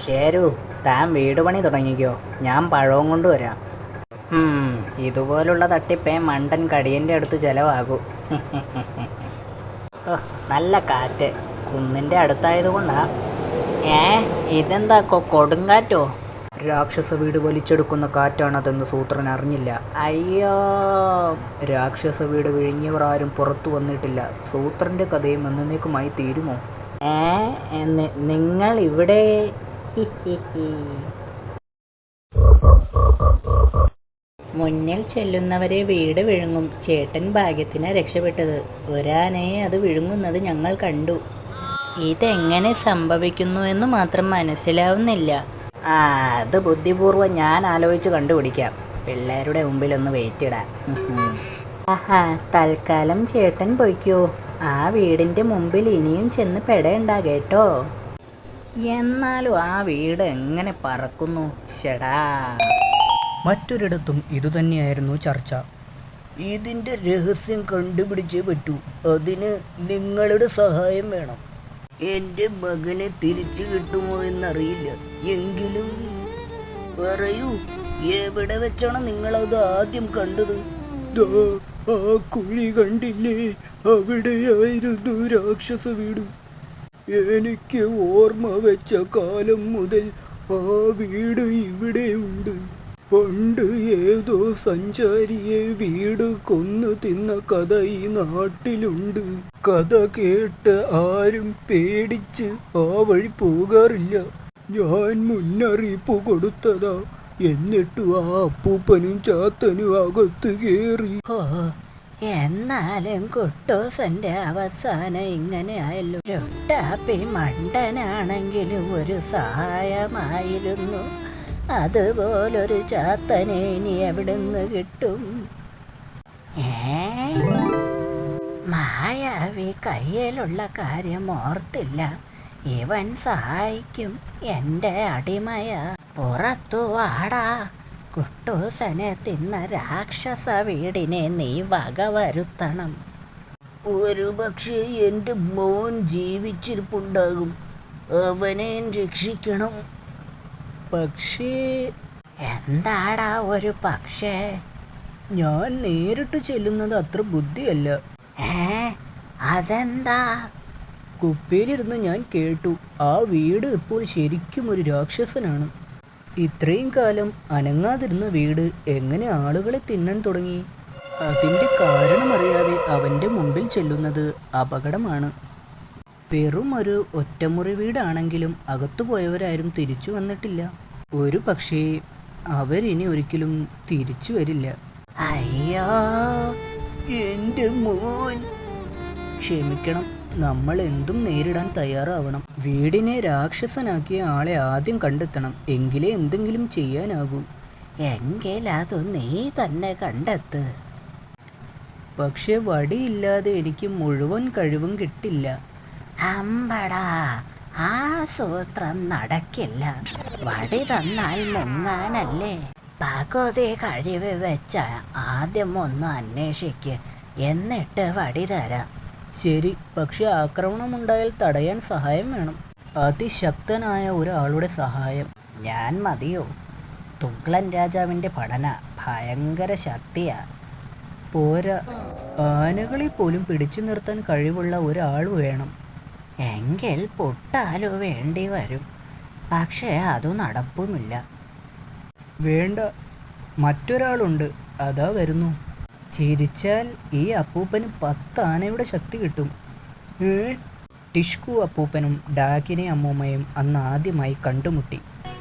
ശരു, താൻ വീട് പണി തുടങ്ങിക്കോ, ഞാൻ പഴവും കൊണ്ടുവരാം. ഇതുപോലുള്ള തട്ടിപ്പേ മണ്ടൻ കടിയൻ്റെ അടുത്ത് ചിലവാകൂ. നല്ല കാറ്റ്, കുന്നിൻ്റെ അടുത്തായതുകൊണ്ടാ. ഇതെന്താ കൊടുങ്കാറ്റോ? രാക്ഷസ വീട് വലിച്ചെടുക്കുന്ന കാറ്റാണതെന്ന് സൂത്രൻ അറിഞ്ഞില്ല. അയ്യോ, രാക്ഷസ വീട് വിഴുങ്ങിയവർ ആരും പുറത്തു വന്നിട്ടില്ല. സൂത്രൻ്റെ കഥയും എന്നേക്കുമായി തീരുമോ? നിങ്ങൾ ഇവിടെ? മുന്നിൽ ചെല്ലുന്നവരെ വീട് വിഴുങ്ങും. ചേട്ടൻ ഭാഗ്യത്തിന് രക്ഷപ്പെട്ടത്. ഒരാനയെ അത് വിഴുങ്ങുന്നത് ഞങ്ങൾ കണ്ടു. ഇതെങ്ങനെ സംഭവിക്കുന്നു എന്ന് മാത്രം മനസ്സിലാവുന്നില്ല. അത് ബുദ്ധിപൂർവ്വം ഞാൻ ആലോചിച്ച് കണ്ടുപിടിക്കാം. പിള്ളേരുടെ മുമ്പിലൊന്ന് വെയിറ്റിടാം. തൽക്കാലം ചേട്ടൻ പൊയ്ക്കോ. ആ വീടിൻ്റെ മുമ്പിൽ ഇനിയും ചെന്ന് പെടേണ്ട കേട്ടോ. എന്നാലും ആ വീട് എങ്ങനെ പറക്കുന്നു? ഷടാ. മറ്റൊരിടത്തും ഇതുതന്നെയായിരുന്നു ചർച്ച. ഇതിൻ്റെ രഹസ്യം കണ്ടുപിടിച്ചേ പറ്റൂ. അതിന് നിങ്ങളുടെ സഹായം വേണം. എൻ്റെ മകനെ തിരിച്ചു കിട്ടുമോ എന്നറിയില്ല. എങ്കിലും പറയൂ, എവിടെ വെച്ചാണ് നിങ്ങളത് ആദ്യം കണ്ടത്? ആ കുഴി കണ്ടില്ലേ? അവിടെയായിരുന്നു രാക്ഷസ വീട്. എനിക്ക് ഓർമ്മ വെച്ച കാലം മുതൽ ആ വീട് ഇവിടെയുണ്ട്. പണ്ട് ഏതോ സഞ്ചാരിയെ വീട് കൊന്നു തിന്ന കഥ ഈ നാട്ടിലുണ്ട്. കഥ കേട്ട് ആരും പേടിച്ച് ആ വഴി പോകാറില്ല. ഞാൻ മുന്നറിയിപ്പ് കൊടുത്തതാ. എന്നിട്ടും ആ അപ്പൂപ്പനും ചാത്തനും അകത്ത് കയറി. എന്നാലും കുട്ടൂസന്റെ അവസാനം ഇങ്ങനെ ആയല്ലോ. ലുട്ടാപ്പി മണ്ടനാണെങ്കിലും ഒരു സഹായമായിരുന്നു. അതുപോലൊരു ചാത്തനെ ഇനി എവിടുന്ന് കിട്ടും? മായാവി കയ്യിലുള്ള കാര്യം ഓർത്തില്ല. ഇവൻ സഹായിക്കും. എൻ്റെ അടിമയാ. പുറത്തു വാടാ. കുട്ടൂസനെ തിന്ന രാക്ഷസ വീടിനെ നീ വകവരുത്തണം. ഒരു പക്ഷേ എൻ്റെ മോൻ ജീവിച്ചിരിപ്പുണ്ടാകും. അവനെ രക്ഷിക്കണം. പക്ഷേ എന്താടാ ഒരു പക്ഷേ? ഞാൻ നേരിട്ട് ചെല്ലുന്നത് അത്ര ബുദ്ധിയല്ല. അതെന്താ? കുപ്പിയിലിരുന്ന് ഞാൻ കേട്ടു. ആ വീട് ഇപ്പോൾ ശരിക്കും ഒരു രാക്ഷസനാണ്. ഇത്രയും കാലം അനങ്ങാതിരുന്ന വീട് എങ്ങനെ ആളുകളെ തിന്നാൻ തുടങ്ങി? അതിൻ്റെ കാരണമറിയാതെ അവൻ്റെ മുമ്പിൽ ചെല്ലുന്നത് അപകടമാണ്. വെറും ഒരു ഒറ്റമുറി വീടാണെങ്കിലും അകത്തുപോയവരാരും തിരിച്ചു വന്നിട്ടില്ല. ഒരു പക്ഷേ അവരിനി ഒരിക്കലും തിരിച്ചു വരില്ല. അയ്യോ, എൻ്റെ മോൻ. ക്ഷമിക്കണം, നമ്മൾ എന്തും നേരിടാൻ തയ്യാറാവണം. വീടിനെ രാക്ഷസനാക്കിയ ആളെ ആദ്യം കണ്ടെത്തണം. എങ്കിലേ എന്തെങ്കിലും ചെയ്യാനാകൂ. എങ്കിൽ അത് നീ തന്നെ കണ്ടെത്ത്. പക്ഷെ വടിയില്ലാതെ എനിക്ക് മുഴുവൻ കഴിവും കിട്ടില്ല. അമ്പടാ, ആ സൂത്രം നടക്കില്ല. വടി തന്നാൽ മുങ്ങാനല്ലേ? പകുതി കഴിവ് വെച്ച ആദ്യം ഒന്ന് അന്വേഷിക്ക്, എന്നിട്ട് വടി തരാം. ശരി, പക്ഷെ ആക്രമണമുണ്ടായാൽ തടയാൻ സഹായം വേണം. അതിശക്തനായ ഒരാളുടെ സഹായം. ഞാൻ മതിയോ? തുഗ്ലൻ രാജാവിൻ്റെ പഠന ഭയങ്കര ശക്തിയാ. പോരാ, ആനകളെ പോലും പിടിച്ചു നിർത്താൻ കഴിവുള്ള ഒരാൾ വേണം. എങ്കിൽ പൊട്ടാലു വേണ്ടി വരും. പക്ഷേ അതു നടപ്പുമില്ല. വേണ്ട, മറ്റൊരാളുണ്ട്. അതാ വരുന്നു. ചിരിച്ചാൽ ഈ അപ്പൂപ്പന് 10 ആനയുടെ ശക്തി കിട്ടും. ടിഷ്കു അപ്പൂപ്പനും ഡാകിനി അമ്മൂമ്മയും അന്ന് ആദ്യമായി കണ്ടുമുട്ടി.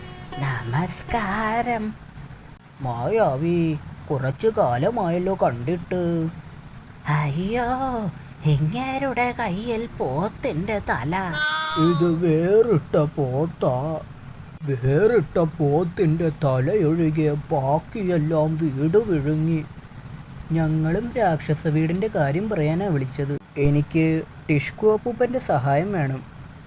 നമസ്കാരം. മായാവി, കുറച്ചു കാലമായല്ലോ കണ്ടിട്ട്. അയ്യോ, ഇങ്ങേരുടെ കയ്യിൽ പോത്തിന്റെ തല. ഇത് വേറിട്ട പോത്താ. വേറിട്ട പോത്തിന്റെ തലയൊഴികെ ബാക്കിയെല്ലാം വീട് വിഴുങ്ങി. ഞങ്ങളും രാക്ഷസ വീടിൻ്റെ കാര്യം പറയാനാണ് വിളിച്ചത്. എനിക്ക് ടിഷ്കു അപ്പൂപ്പൻ്റെ സഹായം വേണം.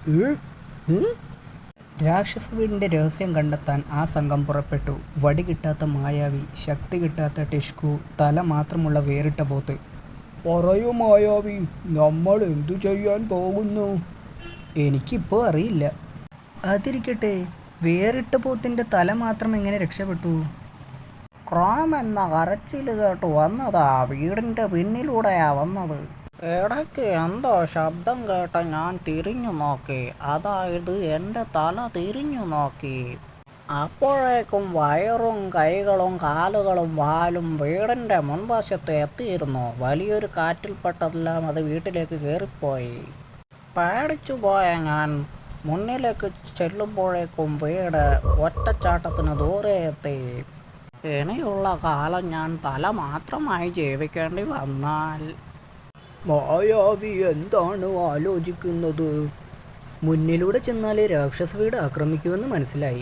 രാക്ഷസ വീടിൻ്റെ രഹസ്യം കണ്ടെത്താൻ ആ സംഘം പുറപ്പെട്ടു. വടി കിട്ടാത്ത മായാവി, ശക്തി കിട്ടാത്ത ടിഷ്കു, തല മാത്രമുള്ള വേറിട്ട പോത്ത്. പറയൂ മായാവി, നമ്മൾ എന്തു ചെയ്യാൻ പോകുന്നു? എനിക്കിപ്പോൾ അറിയില്ല. അതിരിക്കട്ടെ, വേറിട്ട പോത്തിൻ്റെ തല മാത്രം എങ്ങനെ രക്ഷപ്പെട്ടു? ക്രോം എന്ന കരച്ചിൽ കേട്ട് വന്നതാ, വീടിൻ്റെ പിന്നിലൂടെയാ വന്നത്. ഇടയ്ക്ക് എന്തോ ശബ്ദം കേട്ട ഞാൻ തിരിഞ്ഞു നോക്കി, അതായത് എൻ്റെ തല തിരിഞ്ഞു നോക്കി. അപ്പോഴേക്കും വയറും കൈകളും കാലുകളും വാലും വീടിൻ്റെ മുൻവശത്ത് എത്തിയിരുന്നു. വലിയൊരു കാറ്റിൽപ്പെട്ടതെല്ലാം അത് വീട്ടിലേക്ക് കയറിപ്പോയി. പേടിച്ചു പോയ ഞാൻ മുന്നിലേക്ക് ചെല്ലുമ്പോഴേക്കും വീട് ഒറ്റച്ചാട്ടത്തിന് ദൂരെ എത്തി. ഇനിയുള്ള കാലം ഞാൻ തല മാത്രമായി ജീവിക്കേണ്ടി വന്നാൽ. മായാവി എന്താണ് ആലോചിക്കുന്നത്? മുന്നിലൂടെ ചെന്നാലേ രാക്ഷസ വീട് ആക്രമിക്കുമെന്ന് മനസ്സിലായി.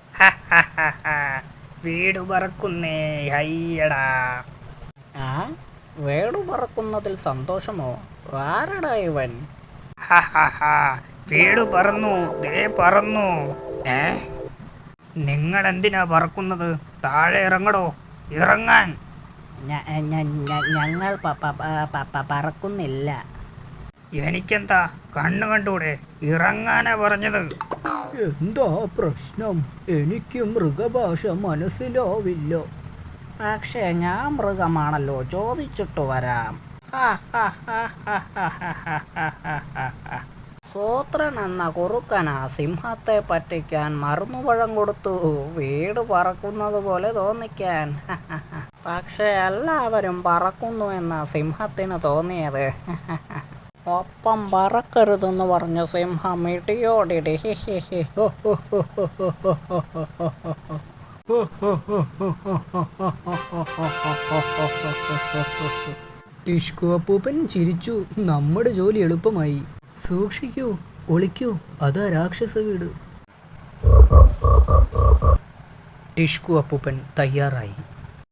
വീട് പറക്കുന്നേ, ഹയ്യടാ. വീട് പറക്കുന്നതിൽ സന്തോഷമോ? ആരടാ ഇവൻ? വീട് പറന്നു, ദേ പറന്നു. നിങ്ങൾ എന്തിനാ പറക്കുന്നത്? താഴെ ഇറങ്ങടോ, ഇറങ്ങാൻ. ഞങ്ങൾ പറക്കുന്നില്ല. എനിക്കെന്താ കണ്ണു കണ്ടൂടെ? ഇറങ്ങാനാ പറഞ്ഞത്. എന്താ പ്രശ്നം? എനിക്ക് മൃഗഭാഷ മനസ്സിലാവില്ല. പക്ഷേ ഞാൻ മൃഗമാണല്ലോ, ചോദിച്ചിട്ട് വരാം. സൂത്രൻ എന്ന കുറുക്കനാ സിംഹത്തെ പറ്റിക്കാൻ മറുന്നുപഴം കൊടുത്തു, വീട് പറക്കുന്നത് പോലെ തോന്നിക്കാൻ. പക്ഷെ എല്ലാവരും പറക്കുന്നു എന്ന സിംഹത്തിന് തോന്നിയത്. ഒപ്പം പറക്കരുതെന്ന് പറഞ്ഞ സിംഹം ഇടിയോടിടി. ടിഷ്കു അപ്പൂപ്പൻ ചിരിച്ചു. നമ്മുടെ ജോലി എളുപ്പമായി. സൂക്ഷിക്കൂ, ഒളിക്കൂ, അതാ രാക്ഷസ വീട്. ടിഷ്കു അപ്പൂപ്പൻ തയ്യാറായി.